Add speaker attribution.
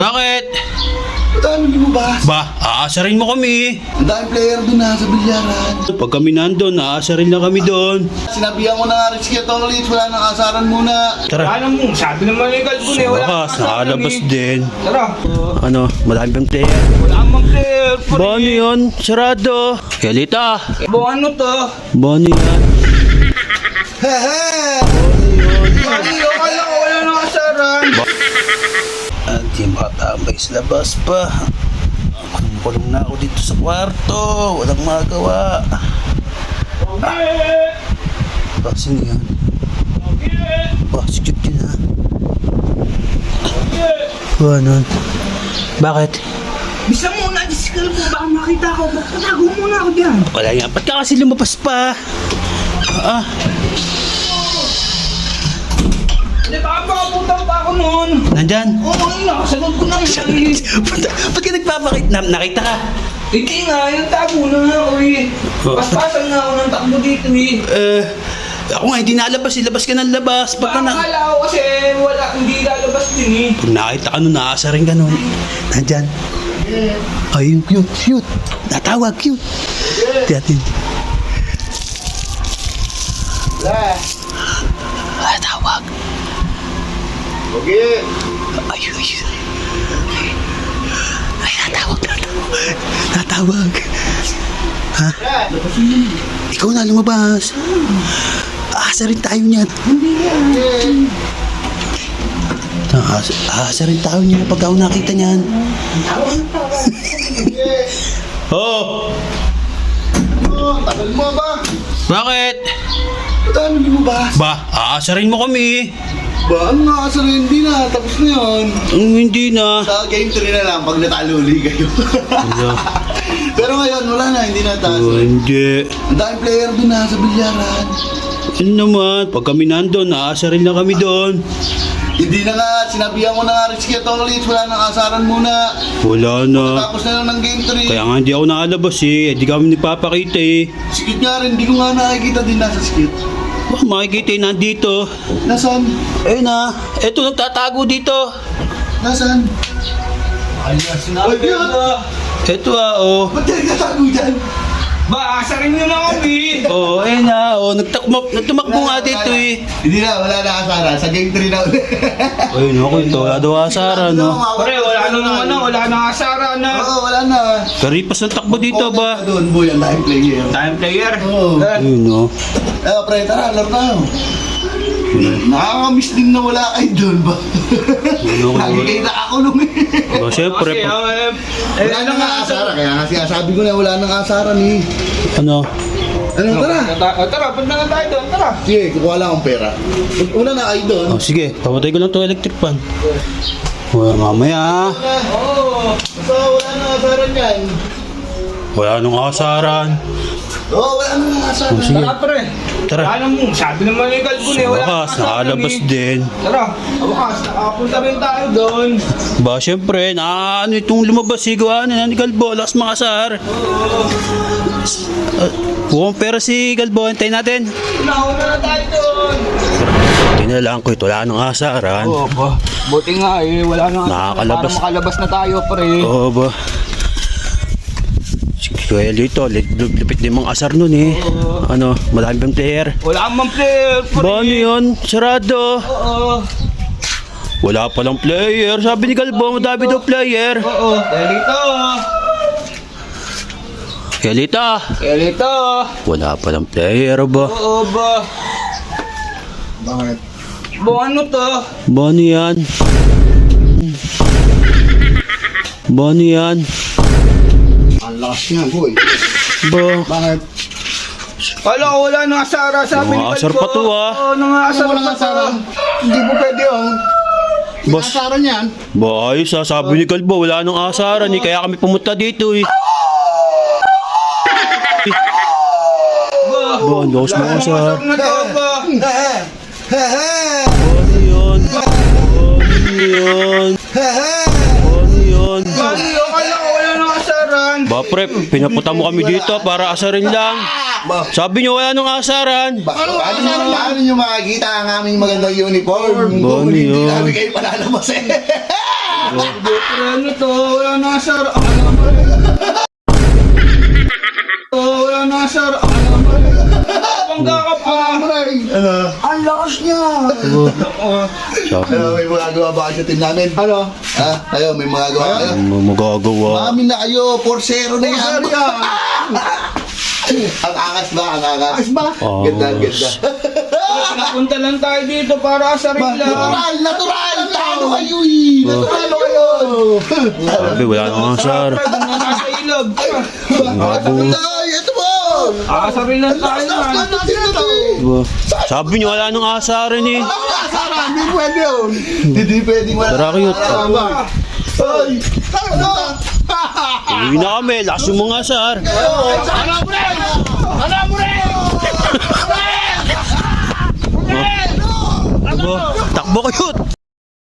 Speaker 1: Bakit?
Speaker 2: Ba't ano lumabas?
Speaker 1: Ba, aasarin mo kami.
Speaker 2: Ang daming player doon na sa bilyaran.
Speaker 1: Pag kami nandun, aasarin na kami doon.
Speaker 2: Sinabihan ko na nga rin si Ketolit, wala nang asaran muna.
Speaker 1: Tara.
Speaker 3: Ano mo, sabi naman ni Galbon eh, wala
Speaker 1: Bakas,
Speaker 3: kang asaran
Speaker 1: nakalabas
Speaker 3: eh.
Speaker 1: din.
Speaker 3: Tara.
Speaker 1: Ano, marami pang player.
Speaker 3: Wala kang player.
Speaker 1: Ba, ano yun? Sarado. Yalita.
Speaker 3: Ano to?
Speaker 1: Ba, ano yan?
Speaker 2: Hehe!
Speaker 3: Sabi, akala ko wala nang asaran.
Speaker 1: At yung makatambay sa labas pa. Kulong na ako dito sa kwarto. Walang magawa.
Speaker 3: Okay.
Speaker 1: Ba, sino yan?
Speaker 3: Okay.
Speaker 1: Ba, sikip din ha.
Speaker 3: Okay.
Speaker 1: Ba, ano? Bakit?
Speaker 3: Bisa muna, disikal ko. Baka makita ko. Patago muna ako dyan.
Speaker 1: Wala yan. Ba't ka kasi lumabas pa? Ah,
Speaker 3: Hindi, baka makaputang pa ako noon.
Speaker 1: nandyan.
Speaker 3: Oo, nakasagot ko na.
Speaker 1: Ba't ka nagpapakit? Nakita ka?
Speaker 3: Hindi nga, yung tago na nga ako eh. Paspasan na ako ng takbo dito eh.
Speaker 1: Ako nga, hindi nalabas. Ilabas ka ng labas. Pagka na...
Speaker 3: Akala ko kasi wala, hindi lalabas din eh.
Speaker 1: Pag nakita ka nun, naasa rin ka nun. Nandyan. Ay, yung cute, cute. Natawag, cute. Tiyatin.
Speaker 2: Wala.
Speaker 1: Natawag.
Speaker 2: Okay.
Speaker 1: Ay, ay, natawag. Natawag. Ha? Ikaw na lumabas. Aasa rin tayo niyan. Aasa rin tayo niyan pagka ako nakita niyan. Oh!
Speaker 2: Tagal mo ba?
Speaker 1: Bakit?
Speaker 2: Ba't ano lumabas?
Speaker 1: Ba, aasarin mo kami.
Speaker 2: Ba, ano nga asarin? Hindi na, tapos na yun.
Speaker 1: Hindi na.
Speaker 2: Sa game 3 na lang, pag natalo uli kayo. Pero ngayon, wala na, hindi na taas.
Speaker 1: Hindi.
Speaker 2: Ang daming player doon na sa bilyaran.
Speaker 1: Ano naman, pag kami nandun, aasarin na kami doon.
Speaker 2: Hindi na nga, sinabihan ko na nga rin si Ketolit, wala nang asaran muna.
Speaker 1: Wala na.
Speaker 2: Tapos na lang ng game 3.
Speaker 1: Kaya nga hindi ako nakalabas eh. Hindi kami nagpapakita eh.
Speaker 2: Skit nga rin, hindi ko nga nakikita din nasa skit.
Speaker 1: Baka makikita eh, nandito.
Speaker 2: Nasaan?
Speaker 1: Ayun na. Eto, nagtatago dito.
Speaker 2: Nasaan?
Speaker 3: Ay, sinabi
Speaker 2: Ay, yun.
Speaker 3: na.
Speaker 1: Eto oh.
Speaker 2: Ba't tayo natago dyan?
Speaker 3: Ba, asarin nyo na kami.
Speaker 1: Oh, ayun na. Oh, nagtumakbo nga dito eh.
Speaker 2: Hindi na, wala na asaran. Sa game 3 na ulit.
Speaker 1: Ayun ako, ito. Wala daw asara, no?
Speaker 3: Pare, wala na naman na, wala na asaran na.
Speaker 2: Oo, wala na.
Speaker 1: Karipas ng takbo dito ba?
Speaker 2: Doon, boy, ang daming player.
Speaker 3: Time player.
Speaker 2: Oo.
Speaker 1: Ayun oh.
Speaker 2: Pre, tara, laro tayo. Nakakamiss din na wala kayo doon ba? Lagi kayo nakakulong eh.
Speaker 1: Oh, syempre.
Speaker 3: Kasi,
Speaker 2: Wala nang asaran, kaya nga sabi ko na wala nang asaran eh.
Speaker 1: Ano?
Speaker 2: Ano, tara.
Speaker 3: Tara, punta na tayo doon, tara.
Speaker 2: Sige, kukuha lang akong pera. Una na kayo doon.
Speaker 1: Oh, sige. Pamatay ko lang itong electric fan. Well, mamaya.
Speaker 3: Oo.
Speaker 2: So, wala nang asaran yan.
Speaker 1: Wala nung asaran.
Speaker 2: Oo, wala nang asaran.
Speaker 1: Oh, sige.
Speaker 3: Tara, pre.
Speaker 1: Tara.
Speaker 3: Ano mo, sabi naman ni Galbon eh, wala
Speaker 1: Bakas,
Speaker 3: kang asaran
Speaker 1: nakalabas
Speaker 3: eh.
Speaker 1: din.
Speaker 3: Tara, bakas, nakapunta rin tayo doon.
Speaker 1: Ba, syempre, ano itong lumabas, sigawan na ni Galbo, lakas makasar. Huwag pera si Galbo, hintayin natin.
Speaker 3: Nauna na tayo doon.
Speaker 1: Tinalaan ko ito, wala nang asaran.
Speaker 3: Oo ba, buti nga eh, wala na
Speaker 1: Nakakalabas.
Speaker 3: para makalabas na tayo pre.
Speaker 1: Oo ba? Sige, kaya dito, lupit din mga asar nun eh. Ano, marami pang player.
Speaker 3: Wala kang mang player pre.
Speaker 1: Ba, ano yun? Sarado.
Speaker 3: Oo.
Speaker 1: Wala palang player. Sabi ni Galbo, madami daw player.
Speaker 3: Oo. Elito.
Speaker 1: Yalita.
Speaker 3: Elito.
Speaker 1: Wala palang player ba?
Speaker 3: Oo ba.
Speaker 2: Bakit?
Speaker 3: Bo ano to?
Speaker 1: Ba, ano yan? Ba, ano yan?
Speaker 2: Ang lakas niya, boy.
Speaker 1: Ba,
Speaker 2: Bakit?
Speaker 3: Kala ko wala nang asara sabi ni
Speaker 1: Mga asar
Speaker 3: Galbo.
Speaker 1: pa to, ah.
Speaker 3: Oo, nang asar
Speaker 2: Walang
Speaker 3: pa to.
Speaker 2: asaran. Hindi mo pwede yun.
Speaker 1: boss.
Speaker 2: Asaran yan.
Speaker 1: Ba, ayos ah. Sabi ni Galbo, wala nang asaran eh. Kaya kami pumunta dito eh. Ba, ang lakas mga asar.
Speaker 3: Na to ba?
Speaker 2: Hehe.
Speaker 1: Ano yun? Ano yun?
Speaker 2: Hehe.
Speaker 1: Ano yun?
Speaker 3: Kala ko wala nang asaran.
Speaker 1: Ba, pre, pinapunta mo kami dito para asarin lang. Sabi niyo wala nang asaran.
Speaker 2: Paano nyo makikita ang aming magandang uniform?
Speaker 1: Ba, ano
Speaker 2: Hindi
Speaker 1: yun?
Speaker 2: namin kayo palalabas eh.
Speaker 3: Pero ano to? Wala na, sir. Wala na, sir. Pangga ka pa.
Speaker 2: Ano?
Speaker 3: Ang lakas niya.
Speaker 2: Ano, may magagawa ba kayo sa team namin? Ano? Ha? Kayo, may magagawa kayo?
Speaker 1: Magagawa.
Speaker 2: Mami na kayo, 4-0 na yan. Ang angas ba? Ang angas ba? Ganda, ganda.
Speaker 3: Napunta lang tayo dito para asarin lang.
Speaker 2: Natural, natural! Talo kayo eh! Natalo kayo!
Speaker 1: Sabi, wala na nga, sir.
Speaker 3: Doon na nasa ilog.
Speaker 2: Ay, ito mo!
Speaker 3: Asarin lang tayo man.
Speaker 1: Sabi niyo, wala nang asarin eh.
Speaker 2: Hindi pwede yun! Hindi pwede wala.
Speaker 1: Tara, cute.
Speaker 2: Ay!
Speaker 1: Uwi na kami, lakas yung mga sir. Takbo, cute.